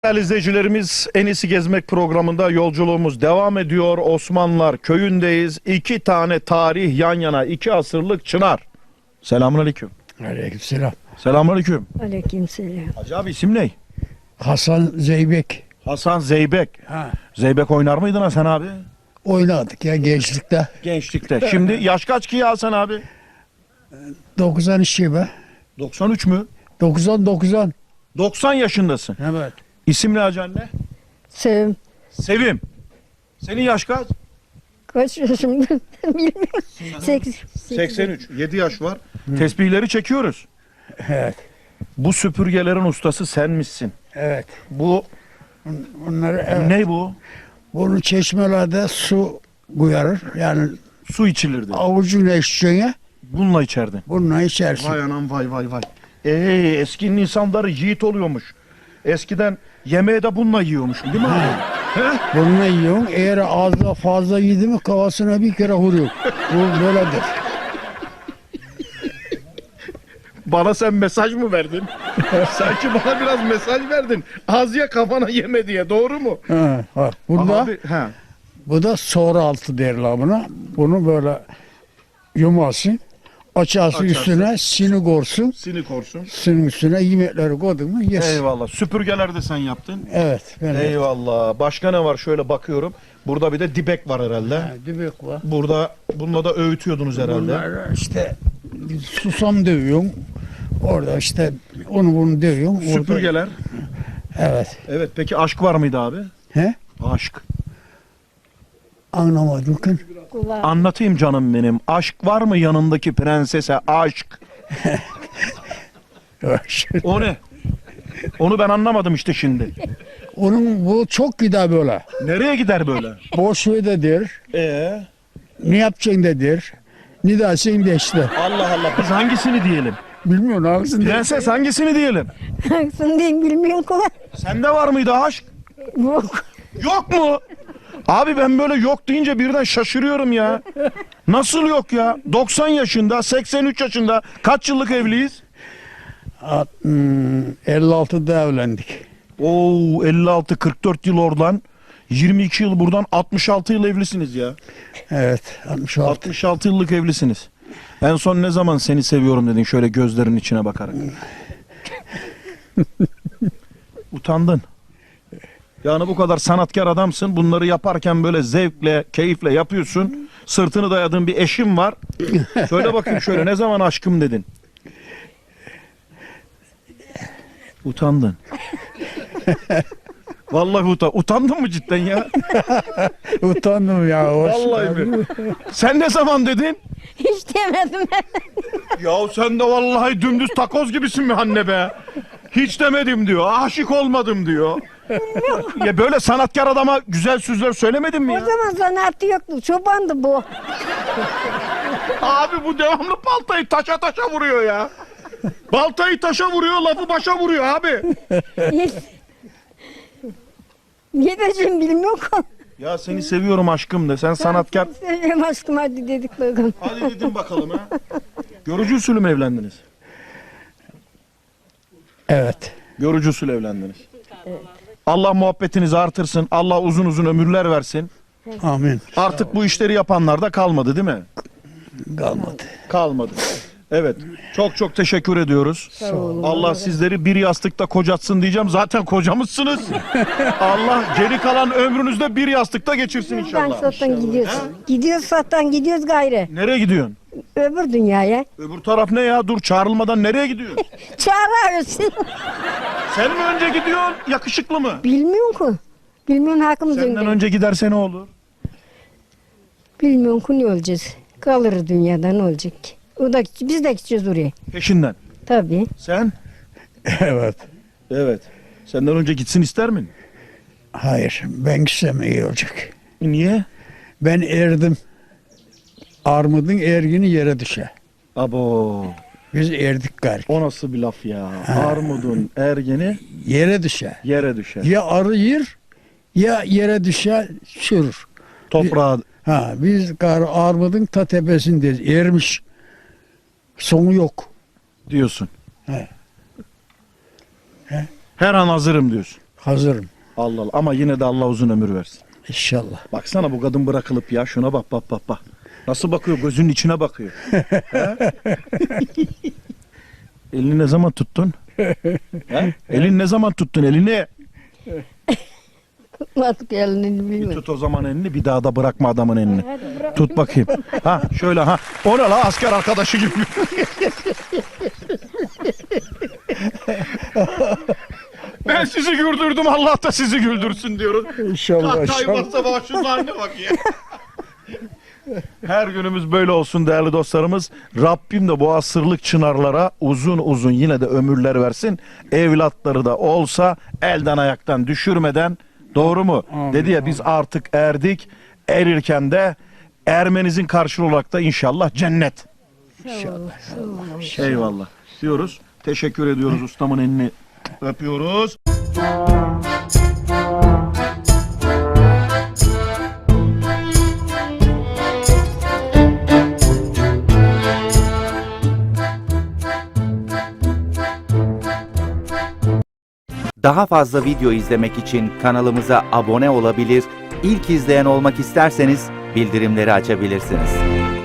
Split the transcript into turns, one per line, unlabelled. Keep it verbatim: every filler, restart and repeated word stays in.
Değerli izleyicilerimiz, En İyisi Gezmek programında yolculuğumuz devam ediyor. Osmanlılar köyündeyiz. İki tane tarih yan yana, iki asırlık çınar. Selamünaleyküm.
Aleykümselam.
Selamünaleyküm.
Aleykümselam.
Hacı abi isim ne?
Hasan Zeybek.
Hasan Zeybek.
Ha.
Zeybek oynar mıydın Hasan abi?
Oynadık ya gençlikte.
Gençlikte. Şimdi yaş kaç ki ya Hasan abi?
doksan iki be.
doksan üç mü?
doksan doksan.
doksan yaşındasın.
Evet.
İsim ne hacı anne?
Sevim.
Sevim. Senin yaş kaç?
Kaç yaşımda bilmiyorum. Sekiz.
seksen üç. yedi yaş var. Tesbihleri çekiyoruz.
Evet.
Bu süpürgelerin ustası sen misin?
Evet.
Bu
Bunları evet.
ne bu?
Bunu çeşmelerde su koyarır. Yani
Su içilirdi.
avucuyla içeceğine
Bununla içerdin.
bununla içersin.
Vay anam vay vay vay. Ee, eskinin insanları yiğit oluyormuş. Eskiden yemeği de bununla yiyormuş değil mi abi? He?
Bununla yiyorsun. Eğer ağzına fazla yedi mi kafasına bir kere vuruyor. Bu böyledir.
Bana sen mesaj mı verdin? Sanki bana biraz mesaj verdin. Az ye kafana yeme diye, doğru mu?
Ha, ha. Bunda,
Abi, he.
bu da soğur altı derler buna. Bunu böyle yumasın. Açarsın
Açarsın.
üstüne sini korsun.
Sinik olsun.
Sinin üstüne yemekleri koydun mu yes.
Eyvallah. Süpürgeler de sen yaptın.
Evet. Ben
Eyvallah. Başka ne var? Şöyle bakıyorum. Burada bir de dibek var herhalde.
Ha, dübük var.
Burada bununla da öğütüyordunuz herhalde.
Bunlar işte susam dövüyorsun. Orada işte onu bunu dövüyorsun. Orada-
Süpürgeler.
Evet.
Evet. Peki aşk var mıydı abi?
He?
Aşk.
Anlamadım ki.
Kulağı.
Anlatayım canım benim. Aşk var mı yanındaki prensese? Aşk. O ne? Onu ben anlamadım işte şimdi.
Onun bu çok gider böyle.
Nereye gider böyle?
Boş ver de der.
Ee?
Ne yapacaksın de der. Ne dersin de işte.
Allah Allah. Biz hangisini diyelim?
Bilmiyorum hangisini de.
Prenses hangisini diyelim?
Hangisini diyeyim bilmiyorum kolay.
Sende var mıydı aşk?
Yok.
Yok mu? Abi ben böyle yok deyince birden şaşırıyorum ya. Nasıl yok ya? doksan yaşında, seksen üç yaşında kaç yıllık evliyiz?
At- hmm, elli altıda evlendik.
Oo elli altı kırk dört yıl oradan, yirmi iki yıl buradan, altmış altı yıl evlisiniz ya.
Evet. altmış altı.
altmış altı yıllık evlisiniz. En son ne zaman seni seviyorum dedin şöyle gözlerinin içine bakarak? Utandın. Yani bu kadar sanatkar adamsın. Bunları yaparken böyle zevkle, keyifle yapıyorsun. Sırtını dayadığın bir eşim var. Söyle bakayım şöyle ne zaman aşkım dedin? Utandın. Vallahi utan. Utandın mı cidden ya?
Utandım ya. hoş
Vallahi
geldin.
mi? Sen ne zaman dedin?
Hiç demedim ben.
Ya sen de vallahi dümdüz takoz gibisin mi anne be? Hiç demedim diyor. Aşık olmadım diyor. Ya böyle sanatkar adama güzel sözler söylemedin mi
O
ya?
zaman zanaatı yoktu. Çobandı bu.
Abi bu devamlı baltayı taşa taşa vuruyor ya. Baltayı taşa vuruyor, lafı başa vuruyor abi.
Ne diyeceğim bilmiyorum.
Ya seni seviyorum aşkım de. Sen sanatkar.
Seviyorum aşkım hadi dedik bakalım.
Hadi dedim bakalım ha. Görücü usulü mü evlendiniz?
Evet.
Görücü usulü evlendiniz. Allah muhabbetinizi artırsın. Allah uzun uzun ömürler versin.
Amin.
Artık bu işleri yapanlar da kalmadı değil mi?
Kalmadı.
Kalmadı. Evet. Çok çok teşekkür ediyoruz.
Sağ olun.
Allah sizleri bir yastıkta kocatsın diyeceğim. Zaten kocamızsınız. Allah geri kalan ömrünüzde bir yastıkta geçirsin
Buradan
inşallah.
sattan gidiyoruz. Gidiyoruz sattan gidiyoruz gayrı.
Nereye gidiyorsun?
Öbür dünyaya.
Öbür taraf ne ya? Dur çağrılmadan nereye gidiyorsun?
Çağırıyorsun.
Sen mi önce gidiyorsun? Yakışıklı mı?
Bilmiyorum ki. Bilmiyorum hakkımız
Senden
önde.
önce giderse ne olur?
Bilmiyorum ki ne olacağız. Kalır dünyada ne olacak ki? O da, biz de gideceğiz oraya.
Peşinden.
Tabii.
Sen?
Evet.
Evet. Senden önce gitsin ister mi?
Hayır. Ben gitsem iyi olacak.
Niye?
Ben erdim. Armudun ergini yere düşer.
Abo.
Biz erdik gari.
O nasıl bir laf ya? Armudun ergeni
Yere düşer.
yere düşer.
Ya arı yer ya yere düşer çürür.
Toprağa.
Ha biz gar armudun ta tepesindeyiz. Ermiş. Sonu yok.
Diyorsun.
He.
Her an hazırım diyorsun.
Hazırım.
Allah Allah. Ama yine de Allah uzun ömür versin.
İnşallah.
Baksana bu kadın bırakılıp ya. Şuna bak bak bak bak. Nasıl bakıyor? Gözünün içine bakıyor. He? Elini ne zaman tuttun? He? Elini ne zaman tuttun elini?
Artık elini
Bir
bilmem.
tut o zaman elini, bir daha da bırakma adamın elini. Tut bakayım. Ha şöyle ha. O ne la, asker arkadaşı gibi. Ben sizi güldürdüm, Allah da sizi güldürsün diyoruz.
İnşallah.
Hatay
inşallah.
varsa bak şu haline bak ya. Her günümüz böyle olsun değerli dostlarımız. Rabbim de bu asırlık çınarlara uzun uzun yine de ömürler versin. Evlatları da olsa elden ayaktan düşürmeden, doğru mu?
Amin,
Dedi ya biz artık erdik. Erirken de ermenizin karşılığı olarak da inşallah cennet.
İnşallah.
Eyvallah diyoruz. Teşekkür ediyoruz, ustamın elini öpüyoruz.
Daha fazla video izlemek için kanalımıza abone olabilir, ilk izleyen olmak isterseniz bildirimleri açabilirsiniz.